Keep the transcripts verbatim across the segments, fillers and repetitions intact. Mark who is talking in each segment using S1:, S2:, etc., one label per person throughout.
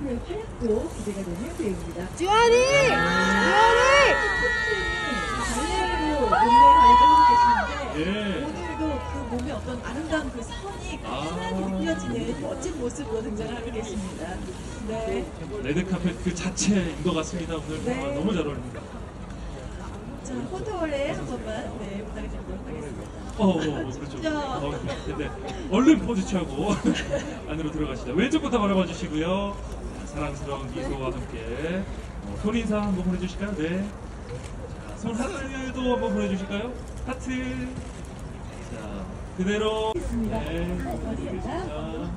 S1: 앞으로의 활약도 기대가 되는 배우입니다.
S2: 주아리! 주아리!
S1: 발레로 몸매 관리를 하고 계시는데
S3: 예.
S1: 오늘도 그 몸의 어떤 아름다운 그 선이
S3: 아.
S1: 환하게 느껴지는 멋진 모습으로 등장을 하고 계십니다. 네.
S3: 레드카펫 그 자체인 것 같습니다. 오늘
S1: 네.
S3: 정말 너무 잘 어울립니다.
S1: 자, 포토월에 한 번만 네, 부탁드리도록 하겠습니다.
S3: 어, 어, 어 그렇죠.
S1: 자.
S3: 어, 네, 네. 얼른 포즈 취하고 안으로 들어가시죠. 왼쪽부터 바라봐 주시고요. 자, 사랑스러운 미소와 함께 어, 손 인사 한번 보내주실까요? 네. 자, 손 하트도 한번 보내주실까요? 하트. 자, 그대로. 네. 보내드리겠습니다.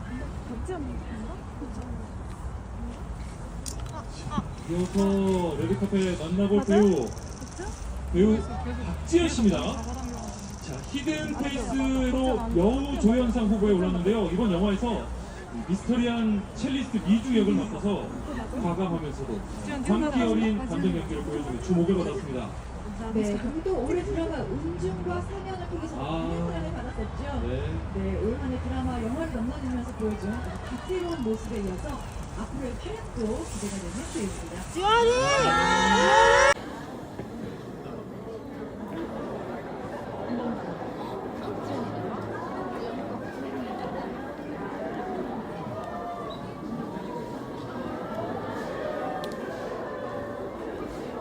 S3: 이어서 레드카페 만나볼 배우 배우 박지현 씨입니다. 자, 히든 페이스로 여우 조연상 후보에 올랐는데요. 이번 영화에서 미스터리한 첼리스트 미주 역을 맡아서 과감하면서도 광기 어린 감정 연기를 보여주고 주목을 받았습니다.
S1: 네, 그리고 또 올해 드라마 은중과 상연을 통해서
S3: 아.
S1: 많은 사랑을 받았었죠.
S3: 네.
S1: 네, 올 한해 드라마 영화를 넘나들면서 보여준 다채로운 모습에 이어서 앞으로의 활약도 기대가 되는 배우입니다.
S2: 주아리!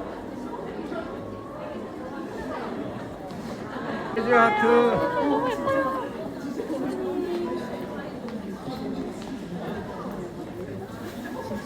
S4: 해줘 하트.